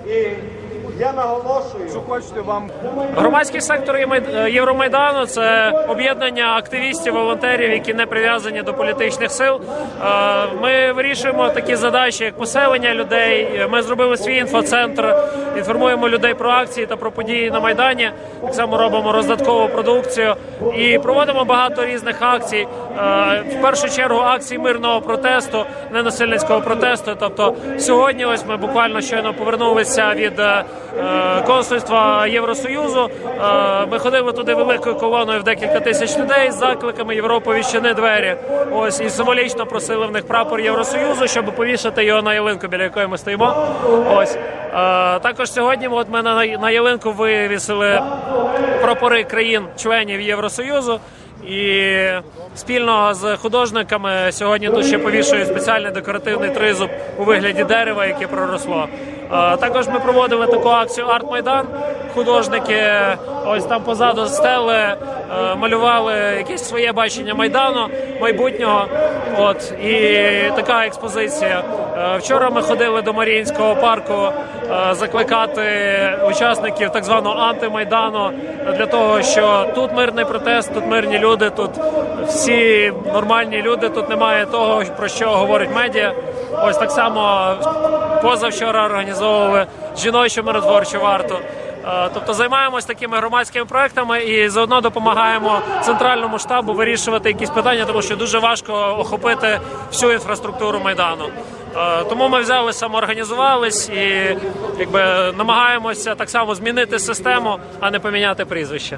І я наголошую, що хочете вам. Громадський сектор Євромайдану – це об'єднання активістів, волонтерів, які не прив'язані до політичних сил. Ми вирішуємо такі задачі, як поселення людей. Ми зробили свій інфоцентр, інформуємо людей про акції та про події на Майдані. Так само робимо роздаткову продукцію і проводимо багато різних акцій. В першу чергу акцій мирного протесту, ненасильницького протесту. Тобто сьогодні ось ми буквально щойно повернулися від консульства Євросоюзу. Ми ходили туди великою колоною в декілька тисяч людей з закликами «Європа, відчини двері». Ось, і символічно просили в них прапор Євросоюзу, щоб повішати його на ялинку, біля якої ми стоїмо. Ось. Також сьогодні от ми на ялинку вивісили прапори країн-членів Євросоюзу. І спільно з художниками сьогодні тут ще повішують спеціальний декоративний тризуб у вигляді дерева, яке проросло. Також ми проводили таку акцію «Арт-Майдан». Художники ось там позаду стели малювали якесь своє бачення Майдану, майбутнього. От, і така експозиція. Вчора ми ходили до Маріїнського парку закликати учасників так званого антимайдану для того, що тут мирний протест, тут мирні люди, тут всі нормальні люди, тут немає того, про що говорить медіа. Ось так само позавчора організовували жіночу миротворчу варту. Тобто займаємось такими громадськими проектами і заодно допомагаємо центральному штабу вирішувати якісь питання, тому що дуже важко охопити всю інфраструктуру Майдану. Тому ми взяли, самоорганізувались і намагаємося так само змінити систему, а не поміняти прізвище.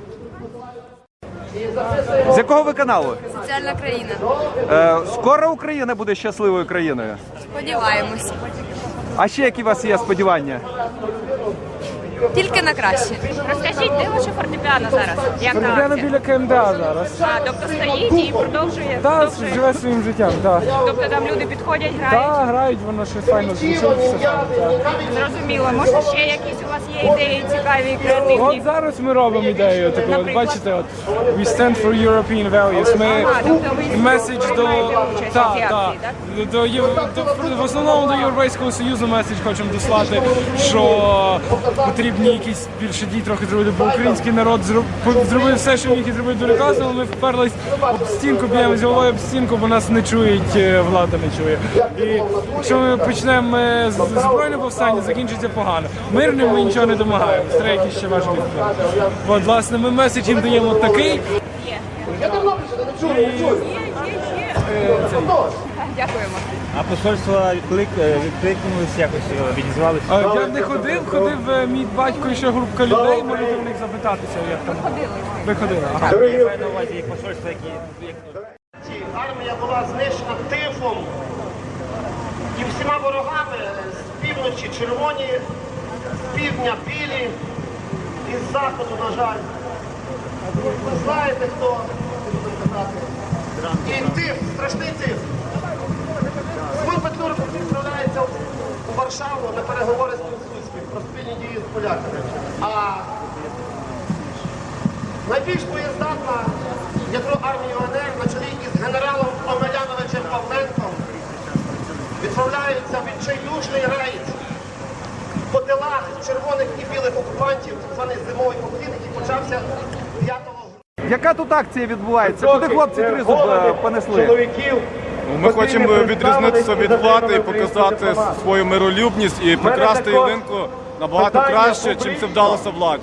З якого ви каналу? Соціальна країна. Скоро Україна буде щасливою країною? Сподіваємось. А ще які у вас є сподівання? Тільки на краще. Розкажіть, де ваше фортепіано зараз? Як на Фортепіано акції? біля КМДА зараз. Тобто стоїть і продовжує? Так, продовжує? живе своїм життям, так. Тобто там люди підходять, грають? Так, грають, воно щось файно звучить, все файно, так. Зрозуміло. Може ще якісь у вас є ідеї цікаві, креативні? От зараз ми робимо ідею таку, от Наприклад? бачите, от We stand for European values. Ми Тобто ви меседж до... приймаєте участь у цій акції, так? В основному до Європейського Союзу меседж хочемо дослати, що потрібні якісь більше дій трохи зробити, бо український народ зробив все, що міг і зробити дуже класно, але ми вперлись об стінку, б'ємо з головою об стінку, бо нас не чують, влада не чує. І якщо ми почнемо з збройне повстання, закінчиться погано. Мирним ми нічого не домагаємося, треба якісь ще важливі справи. От, власне, ми меседж їм даємо такий. Дякуємо. А посольство відкликнулися, якось відізвалися? Я не ходив, мій батько і ще групка людей, можете у них запитатися, як там. Ви ходили? Ага. Я маю на увазі як посольство, які... Армія була знищена тифом і всіма ворогами з півночі червоні, з півдня білі і з заходу, на жаль. Ви знаєте, хто і тиф, страшний тиф. Ми Петлюрко відправляється у Варшаву на переговори з Пілсудським про спільні дії з поляками. А найбільш боєздатна ядро армії УНР на чолі із генералом Омеляновичем Павленком відправляється в відчайдушний рейд по тилах червоних і білих окупантів, так званий зимовий поклін, який почався 5 грудня. Яка тут акція відбувається? Куди хлопці тризуб понесли? Ми хочемо відрізнитися від влади і показати свою миролюбність і прикрасти ялинку набагато краще, чим це вдалося владі.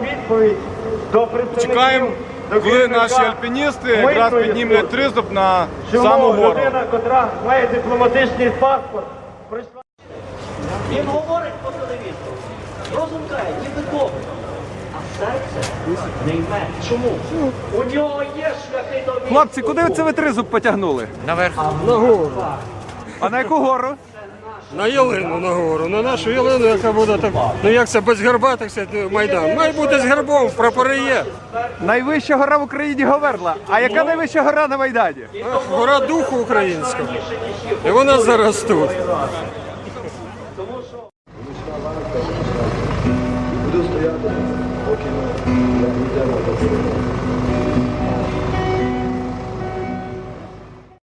Чекаємо, коли наші альпіністи якраз піднімуть тризуб на саму гору. Котра має дипломатичний паспорт. Він говорить по телевізору, розум каже, ніби добре, а серце не йме. Чому? У нього є шляхи до війни. Хлопці, куди це ви тризуб потягнули? Наверх. А на яку гору? На ялину на гору, на нашу ялину, яка буде так, ну як це без герба, так сказати, Майдан. Має бути з гербом, прапори є. Найвища гора в Україні Говерла. А яка найвища гора на Майдані? Гора духу українського. І вона зараз тут. Буду стояти, поки не